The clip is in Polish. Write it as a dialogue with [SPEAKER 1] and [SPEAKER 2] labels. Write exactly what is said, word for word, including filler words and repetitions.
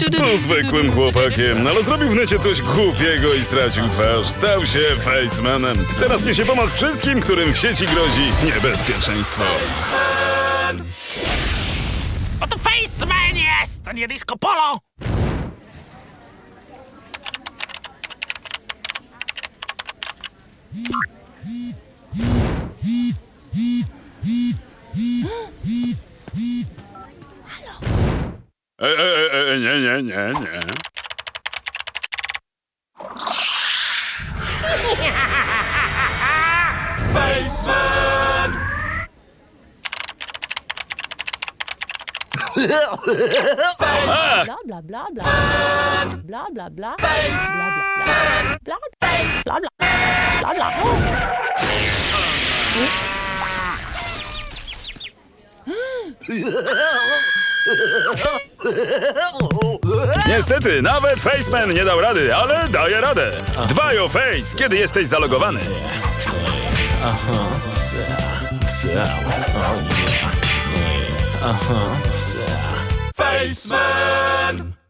[SPEAKER 1] Był zwykłym chłopakiem, ale zrobił w necie coś głupiego i stracił twarz. Stał się Facemanem. Teraz niesie pomoc wszystkim, którym w sieci grozi niebezpieczeństwo.
[SPEAKER 2] Oto Faceman jest, to nie disco polo!
[SPEAKER 1] E, e, e, nie, nie, nie, nie.
[SPEAKER 2] Faceman!
[SPEAKER 3] Bla bla bla bla. Bla bla bla. Bla bla bla. Bla bla bla. Bla bla.
[SPEAKER 1] Niestety, nawet Faceman nie dał rady, ale daje radę. Dbaj o Face, kiedy jesteś zalogowany.
[SPEAKER 2] Faceman!